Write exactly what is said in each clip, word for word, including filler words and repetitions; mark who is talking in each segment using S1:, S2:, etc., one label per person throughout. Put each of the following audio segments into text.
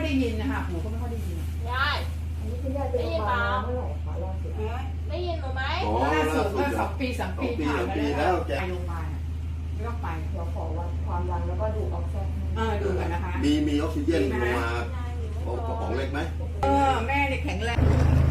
S1: ได้ยินนะคะหูก็ไม่ค่อยได้ยิน
S2: ยายได้ยินเปล่าเมื่อไหร่คะล่าสุดได้ยินหนูไหม
S1: ล่าสุดเมื่อสองปีสามปีผ่านมาแล้วไปโรงพยาบาลไม่ต้องไป
S2: เดี๋ยวขอวัดความดันแล้วก็ดูออกซิเจน
S1: เออดูกันนะคะ
S3: มีมีออกซิเจนลงมากระป๋องเล็กไหม
S1: เออแม่เนี่ยแข็งแรง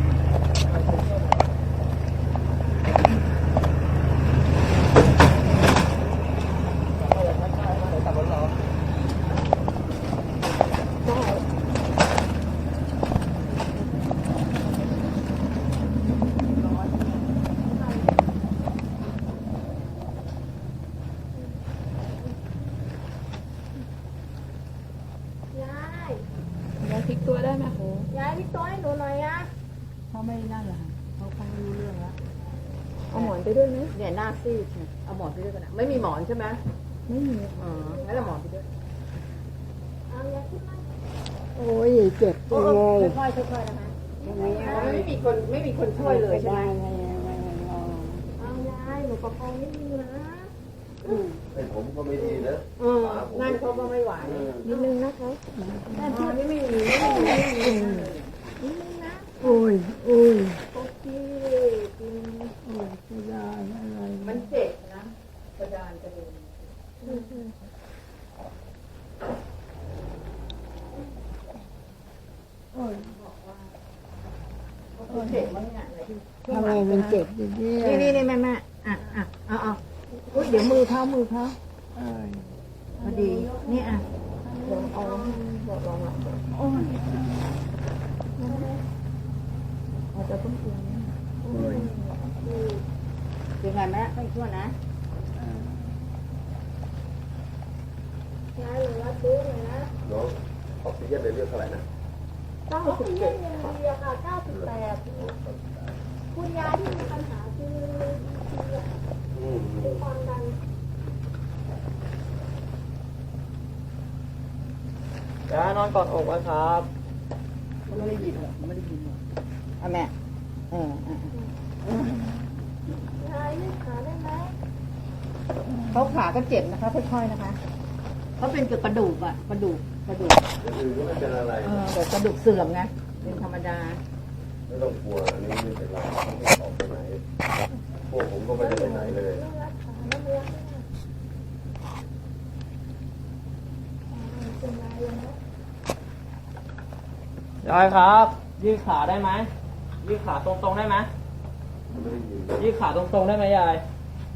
S4: ยายพลิกตัวได้ไหมโห
S2: ยายพลิกตัวให้หนูหน่อยอะ
S4: เขาไม่นั่นเหรอเขาฟังรู้เรื่องแล้ว
S2: เอาหมอนไปด้วยไหมเนี่ยหน้าซีดเนี่ยเอาหมอนไปด้วยกันนะไม่มีหมอนใช่ไหม
S4: ไม่มี
S2: อ๋องั้นเอาหมอนไปด้วยเอายายขึ้นมา
S4: โอ้ยเจ็บจังเลย
S2: ค่อยๆค่อยๆนะคะไม่มีคนไม่มีคนช่วยเลยใช่ไหมเอายายหนูประคองนิดนึงนะ
S3: ไอ้ผมก็ไม่ดีนะ
S2: อืมนั่นเขาก็ไม่ไหว
S4: นิดนึงนะคะ
S2: แต่ที่นี่ไม่มีไม่มีไม่มีนิดนึงนะ
S4: โอ้ยโอ้ย
S2: โอเคกิน
S4: โอ้ยกระดานอะไร
S2: มันเจ็บนะกระดานกระเด็น
S4: โอ้ย
S2: เจ็บมั้งเนี่ย
S4: ทำไมมันเจ็บอย่างนี้
S2: นี่นี่นี่แม่แม่อ่ะอ่ะเอาเอา
S4: เดี๋ยวมือเขามือเขา
S2: พอดีนี่อ่ะลองเอาบอกลองหลัง
S4: โอ้ย
S2: อาจจะต้องเปลี่ยนยังไงแม่ไม่ชั่วนะยายหนูรับรู้เลยนะ
S3: น้องออกซิเจนในเลือดเท่าไหร่นะ
S2: เก้าสิบเจ็ดค่ะเก้าสิบแปดคุณยายที่มีปัญหาคือคือความดัน
S5: ยายนอนกอดอกไว้ครับ
S1: ไม่ได้ยินหรอไม่ได้ยินหรออ่ะแม่เอออ่ะ
S2: ยายยืดขาได้ไหม
S1: เขาขาก็เจ็บนะคะค่อยๆนะคะเขาเป็นเกี่ยวกับกระดูกอะกระดูกกระดูก
S3: อย่างอื่นก็ไม่เป็นอะไร
S1: เออแต่กระดูกเสื่อมไงเป็นธรรมดา
S3: ไม่ต้องกลัวอันนี้ไม่เป็นไรไม่ต้องออกไปไหนพวกผมก็ไม่ได้ไปไหนเลย
S5: ยายครับยืดขาได้ไหมยืดขาตรงๆได้ไหมยืดขาตรงๆได้ไหมยาย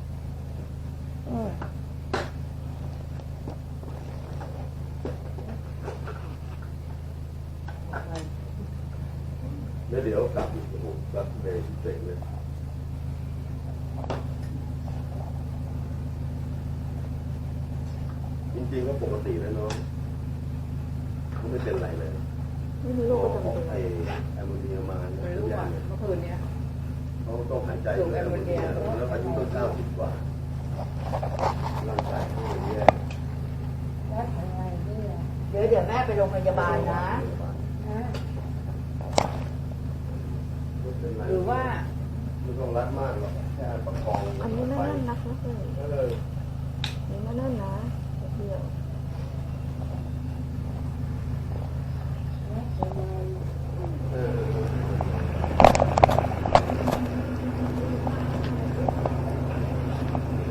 S3: แล้วเดี๋ยวกลับอีกโอ้โหกลับเลยเจ๋งเลยจริงๆก็ปกติแล้วน้องเขาไม่เป็นไรเลย
S2: ไม่มีโรคประจำตัว
S3: ไอ้แอมโมเนียมาเนี่ย
S1: ไม่รู้ว่าเมื่อคืนเนี้ย
S3: เขาต้องหายใจแอมโมเนียแล้วอายุต้องเก้าสิบกว่าร่างกายเขาอย่างนี้
S1: เดี๋ยวเดี๋ยวแม่ไปโรงพยาบาลนะหรือว่า
S3: ไม่ต้องรัดมากหรอกแค่ประคอง
S2: อันนี้ไม่นั่นนะคะเออนี่ไม่นั่นนะเดียว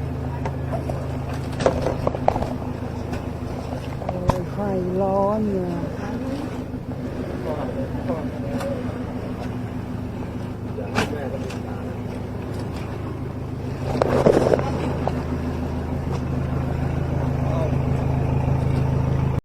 S4: ไฟร้อนอยู่